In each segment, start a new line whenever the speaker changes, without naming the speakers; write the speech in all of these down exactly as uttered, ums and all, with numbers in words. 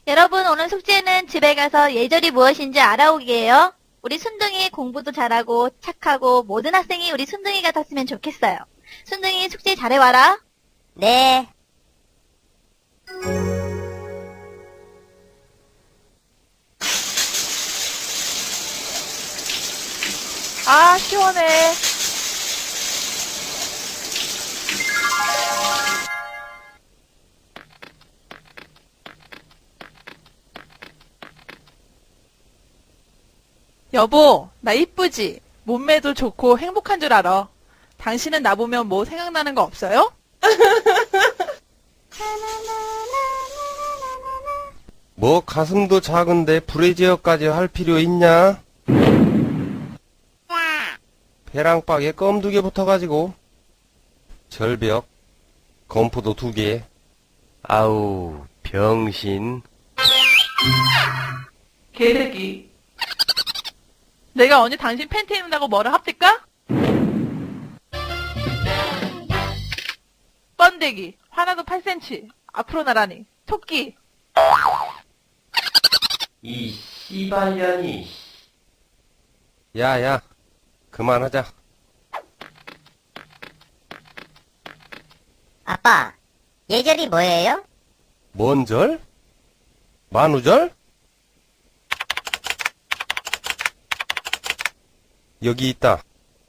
여러분, 오늘 숙제는 집에 가서 예절이 무엇인지 알아오기예요. 우리 순둥이 공부도 잘하고 착하고 모든 학생이 우리 순둥이 같았으면 좋겠어요. 순둥이 숙제 잘해와라.
네.
아, 시원해. 여보, 나 이쁘지? 몸매도 좋고 행복한 줄 알아. 당신은 나 보면 뭐 생각나는 거 없어요?
뭐 가슴도 작은데 브래지어까지 할 필요 있냐? 배랑박에 껌 두 개 붙어가지고 절벽 검포도 두 개. 아우 병신.
개새끼. 내가 언제 당신 팬티 입는다고 뭐를 합니까? 번데기. 하나도 팔 센티미터. 앞으로 나라니. 토끼.
이 씨발년이. 야야 그만하자.
아빠, 예절이 뭐예요?
뭔 절? 만우절? 여기 있다.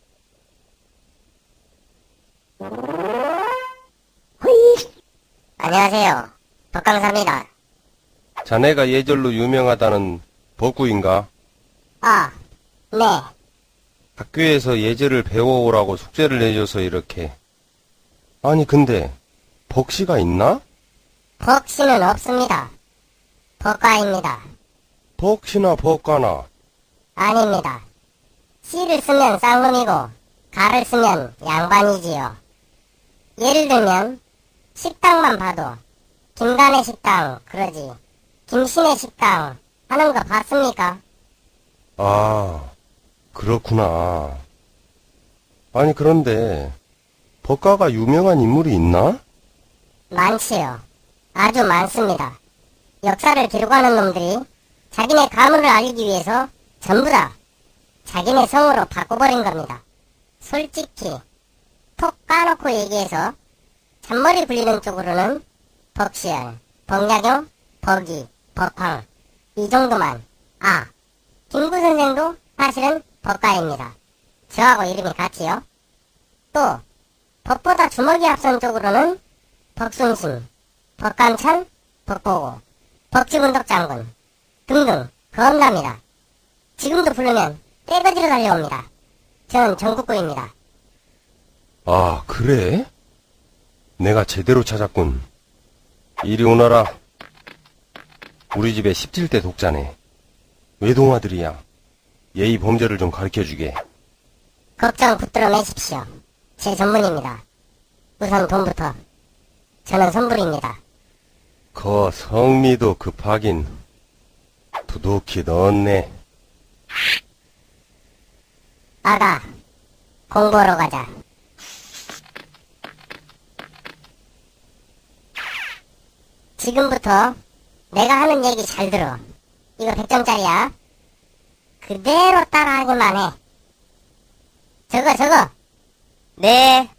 안녕하세요. 덕강사입니다.
자네가 예절로 유명하다는 법구인가?
아, 네.
학교에서 예절을 배워오라고 숙제를 내줘서 이렇게. 아니 근데 벅씨가 있나?
벅씨는 없습니다. 벅가입니다.
벅씨나 벅가나.
아닙니다. 씨를 쓰면 쌍놈이고 가를 쓰면 양반이지요. 예를 들면 식당만 봐도 김간의 식당 그러지 김신의 식당 하는 거 봤습니까?
아 그렇구나. 아니 그런데 법가가 유명한 인물이 있나?
많지요. 아주 많습니다. 역사를 기록하는 놈들이 자기네 가문을 알리기 위해서 전부 다 자기네 성으로 바꿔버린 겁니다. 솔직히 톡 까놓고 얘기해서 잔머리 굴리는 쪽으로는 벅시열, 벅야경, 벅이, 벅황 이 정도만. 아, 김구 선생도 사실은 법가입니다. 저하고 이름이 같지요. 또 법보다 주먹이 앞선 쪽으로는 벅순신, 벅감찬, 벅보고, 벅지군덕 장군 등등 겁납니다. 지금도 부르면 떼거지로 달려옵니다. 저는 전국구입니다.
아 그래? 내가 제대로 찾았군. 이리 오너라. 우리 집에 십칠 대 독자네. 외동아들이야. 예의 범죄를 좀 가르쳐주게.
걱정 붙들어 매십시오. 제 전문입니다. 우선 돈부터. 저는 선불입니다.
거 성미도 급하긴 두둑히 넣었네.
아가, 공부하러 가자. 지금부터 내가 하는 얘기 잘 들어. 이거 백 점짜리야. 그대로 따라하기만 해. 저거 저거. 네.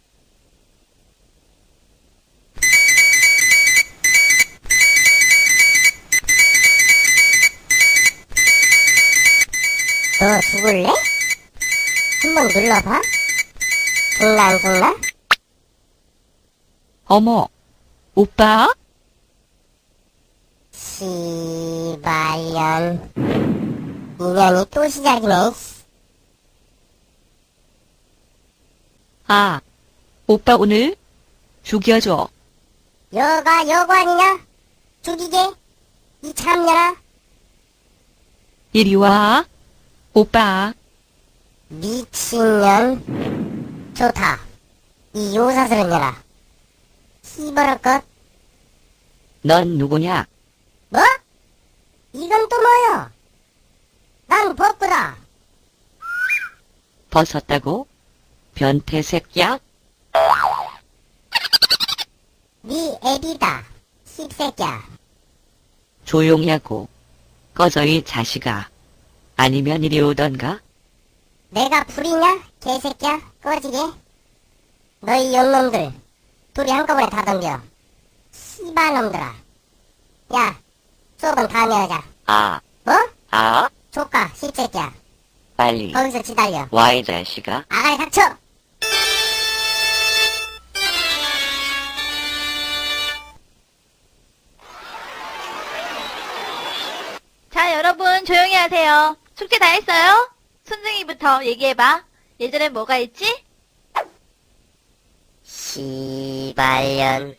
너 죽을래? 한번 눌러봐. 죽나 안 죽나?
어머, 오빠?
시발년. 인연이 또 시작이네.
아, 오빠 오늘 죽여줘.
여가 여고 아니냐? 죽이게? 이 참년아.
이리 와. 오빠,
미친년. 좋다. 이 요사스런 년아. 시버럴 것.
넌 누구냐?
뭐? 이건 또 뭐여? 난 법구다.
벗었다고? 변태 새끼야?
네 애비다. 씹새끼야.
조용히 하고 꺼져 이 자식아. 아니면 이리 오던가?
내가 불이냐? 개새끼야? 꺼지게? 너희 영놈들 둘이 한꺼번에 다 덤벼. 씨발놈들아. 야, 수업은 다음에 하자.
아,
뭐?
아,
조카, 씹새끼야.
빨리
거기서 기다려.
와 이 자식아.
아가리 닥쳐!
자, 여러분 조용히 하세요. 숙제 다 했어요? 순둥이부터 얘기해봐. 예전엔 뭐가 있지?
씨발년.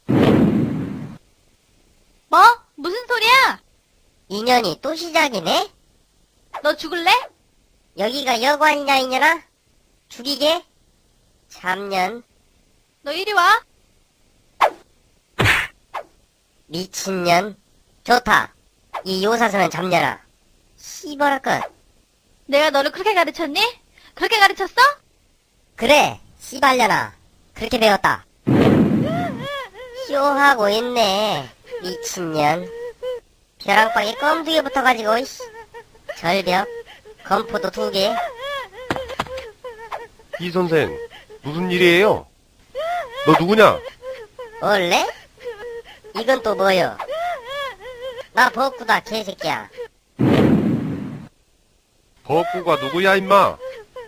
뭐? 무슨 소리야?
인연이 또 시작이네?
너 죽을래?
여기가 여관이냐, 이년아? 죽이게? 참년.
너 이리 와.
미친년. 좋다. 이 요사서는 잡녀라. 씨발할 것.
내가 너를 그렇게 가르쳤니? 그렇게 가르쳤어?
그래, 씨발년아. 그렇게 배웠다. 쇼하고 있네. 미친년. 벼랑방에 껌 두 개 붙어가지고, 이씨. 절벽. 검포도 두 개.
이 선생, 무슨 일이에요? 너 누구냐?
원래? 이건 또 뭐여? 나 버꾸다, 개새끼야.
버꾸가 누구야, 임마?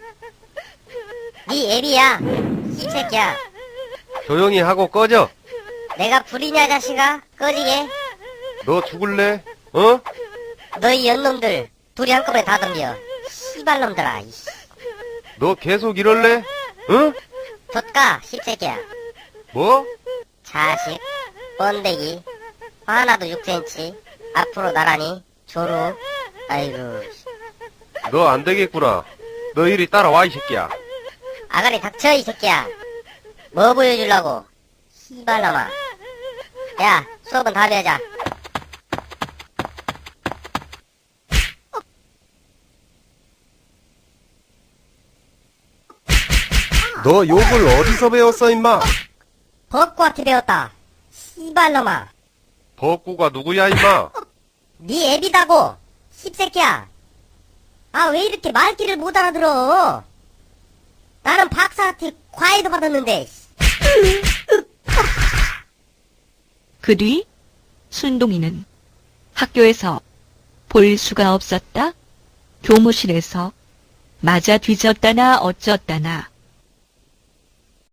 네 애비야. 씹새끼야.
조용히 하고 꺼져.
내가 불이냐, 자식아? 꺼지게.
너 죽을래? 어?
너희 연놈들 둘이 한꺼번에 다 덤벼. 씨발놈들아. 이씨.
너 계속 이럴래? 응?
좆가, 씹새끼야.
뭐?
자식, 번데기, 하나도 육 센티미터, 앞으로 나란히, 조루, 아이고,
너 안 되겠구나. 너 이리 따라와, 이 새끼야.
아가리 닥쳐, 이 새끼야. 뭐 보여주려고, 씨발놈아. 야, 수업은 다음에 하자.
너 욕을 어디서 배웠어, 임마?
벚꽃한테 배웠다. 씨발놈아.
버꾸가 누구야, 임마?
네 애비다고, 씹새끼야. 아, 왜 이렇게 말귀를 못 알아들어? 나는 박사한테 과외도 받았는데.
그 뒤 순동이는 학교에서 볼 수가 없었다. 교무실에서 맞아 뒤졌다나 어쩌다나